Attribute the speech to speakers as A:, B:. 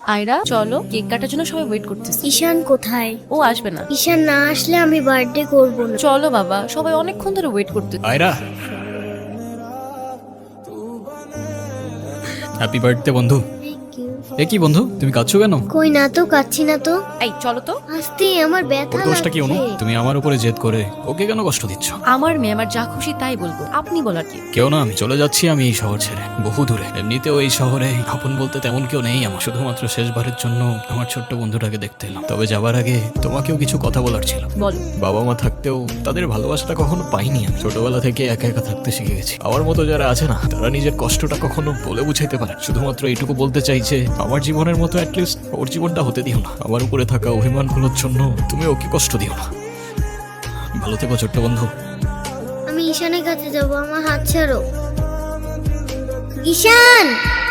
A: আয়রা চলো, কেক কাটার জন্য সবাই ওয়েট করতেছে।
B: ঈশান কোথায়?
A: ও আসবে না।
B: ঈশান না আসলে আমি বার্থডে করব না।
A: চলো বাবা, সবাই অনেকক্ষণ ধরে ওয়েট করতে।
C: আয়রা, হ্যাপি বার্থডে বন্ধু। এ কি বন্ধু, তুমি কাঁদছো কেন?
B: কই না তো, কাচ্ছি না তো।
A: এই চলো তো।
B: আস্তে, আমার ব্যথা
C: ওর দোষটা কি অনু?
B: লাগছে।
C: তুমি আমার উপরে জেদ করে ওকে কেন কষ্ট দিচ্ছ?
A: আমার মেয়ে, আমার যা খুশি তাই বলবো, আপনি বলার কি?
C: কেউ না, আমি চলে যাচ্ছি আমি এই শহর ছেড়ে বহু দূরে। এমনিতেও এই শহরে আপন বলতে তেমন কেউ নেই আমার। শুধুমাত্র শেষবারের জন্য আমার ছোট্ট বন্ধুটাকে দেখতে এলাম। তবে যাবার আগে তোমাকেও কিছু কথা বলার ছিল।
A: বলো।
C: বাবা মা থাকতেও তাদের ভালোবাসাটা কখনো পাইনি আমি। ছোটবেলা থেকে একা একা থাকতে শিখে গেছি। আমার মতো যারা আছে না, তারা নিজের কষ্টটা কখনো বলে বুঝাইতে পারে। শুধুমাত্র এইটুকু বলতে চাই যে আমার জীবনের মতো অ্যাটলিস্ট ওর জীবনটা হতে দিও না। আমার উপরে থাকা অভিমানগুলোর জন্য তুমি ওকে কষ্ট দিও না। ভালো থেকো ছোট্ট বন্ধু।
B: আমি ঈশানের কাছে যাব, আমার হাত ছাড়ো। ঈশান!